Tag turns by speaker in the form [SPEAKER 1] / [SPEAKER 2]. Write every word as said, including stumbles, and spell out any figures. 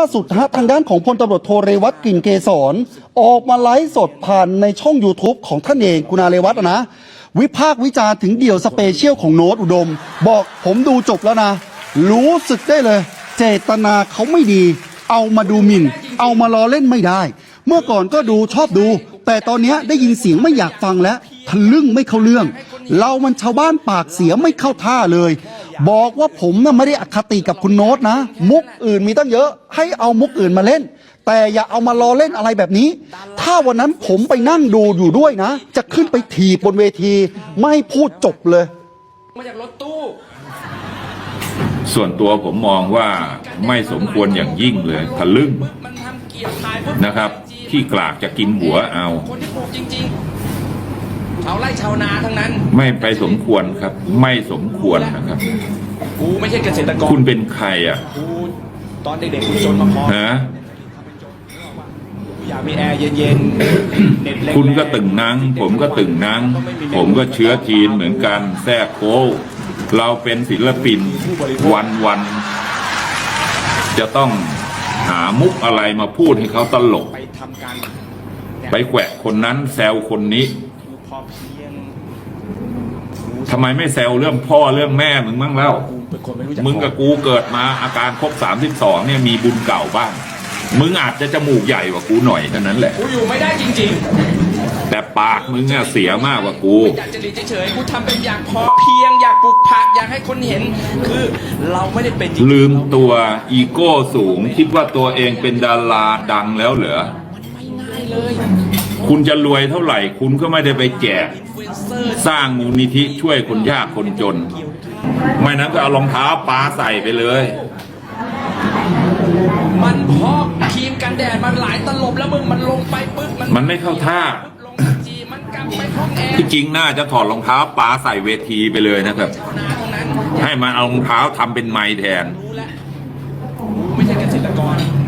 [SPEAKER 1] สุดฮะทางด้านของพลตำรวจโทเรวัตกลิ่นเกษรออกมาไลฟ์สดผ่านในช่อง YouTube ของท่านเองคุณอาเรวัตนะวิพากษ์วิจารณ์ถึงเดี่ยวสเปเชียลของโน้ตอุดมบอกผมดูจบแล้วนะรู้สึกได้เลยเจตนาเขาไม่ดีเอามาดูหมิ่นเอามาล้อเล่นไม่ได้เมื่อก่อนก็ดูชอบดูแต่ตอนนี้ได้ยินเสียงไม่อยากฟังแล้วทะลึ่งไม่เข้าเรื่องเรามันชาวบ้านปากเสียไม่เข้าท่าเลยบอกว่าผมน่ะไม่ได้อคติกับคุณโน้ตนะมุกอื่นมีตั้งเยอะให้เอามุกอื่นมาเล่นแต่อย่าเอามาล้อเล่นอะไรแบบนี้ถ้าวันนั้นผมไปนั่งดูอยู่ด้วยนะจะขึ้นไปถีบบนเวทีไม่ให้พูดจบเลย
[SPEAKER 2] มาจากรถตู้
[SPEAKER 3] ส่วนตัวผมมองว่าไม่สมควรอย่างยิ่งเลยทะลึ่งนะครับที่กลากจะกินหัวเอา
[SPEAKER 2] คนที่ปลูกจริงๆชาวไร่ชาวนาทั้งนั้น
[SPEAKER 3] ไม่ไปสมควรครับไม่สมควรนะครับ
[SPEAKER 2] กูไม่ใช่เกษตรกร
[SPEAKER 3] คุณเป็นใครอ่ะ
[SPEAKER 2] กูตอนเด็กๆกูจนมาพอ
[SPEAKER 3] ฮะ
[SPEAKER 2] อยากมีแอร์เย็นๆเน็ตแรง
[SPEAKER 3] คุณก็ตึงนังผมก็ตึงนังผมก็เชื้อจีนเหมือนกันแท้โค้เราเป็นศิลปินวันวันจะต้องหามุกอะไรมาพูดให้เขาตลก
[SPEAKER 2] ไปทำการ
[SPEAKER 3] ไปแกวะคนนั้นแซวคนนี้ทำไมไม่แซวเรื่องพ่อเรื่องแม่มึงบ้างแล้วมึงกับกูเกิดมาอาการครบสามสิบสองเนี่ยมีบุญเก่าบ้างมึงอาจจะจมูกใหญ่กว่ากูหน่อยเท่านั้นแหละ
[SPEAKER 2] กูอยู่ไม่ได้จริง
[SPEAKER 3] ๆแต่ปากมึงเนี่ยเสียมากกว่ากู
[SPEAKER 2] อยากจะหลีกเฉยๆกูทำเป็นอยากพอเพียงอยากปลูกผักอยากให้คนเห็นคือเราไม่ได้เป็นจริง
[SPEAKER 3] ลืมตัวอีโก้สูงคิดว่าตัวเองเป็นดาราดังแล้วเหรอ
[SPEAKER 2] มันไม่ง่ายเลย
[SPEAKER 3] คุณจะรวยเท่าไหร่คุณก็ไม่ได้ไปแจกสร้างมูลนิธิช่วยคนยากคนจนไม่นั้นก็เอารองเท้าปาใส่ไปเลย
[SPEAKER 2] มันพอกครีมกันแดดมันหลายตลบแล้วมึงมันลงไปปึ๊บมัน
[SPEAKER 3] มันไม่เข้าท่าที่จริงน่าจะถอดรองเท้าปาใส่เวทีไปเลยนะครับให้มันเอารองเท้าทำเป็นไม้แทน
[SPEAKER 2] ไม่ใช่เกษตรกร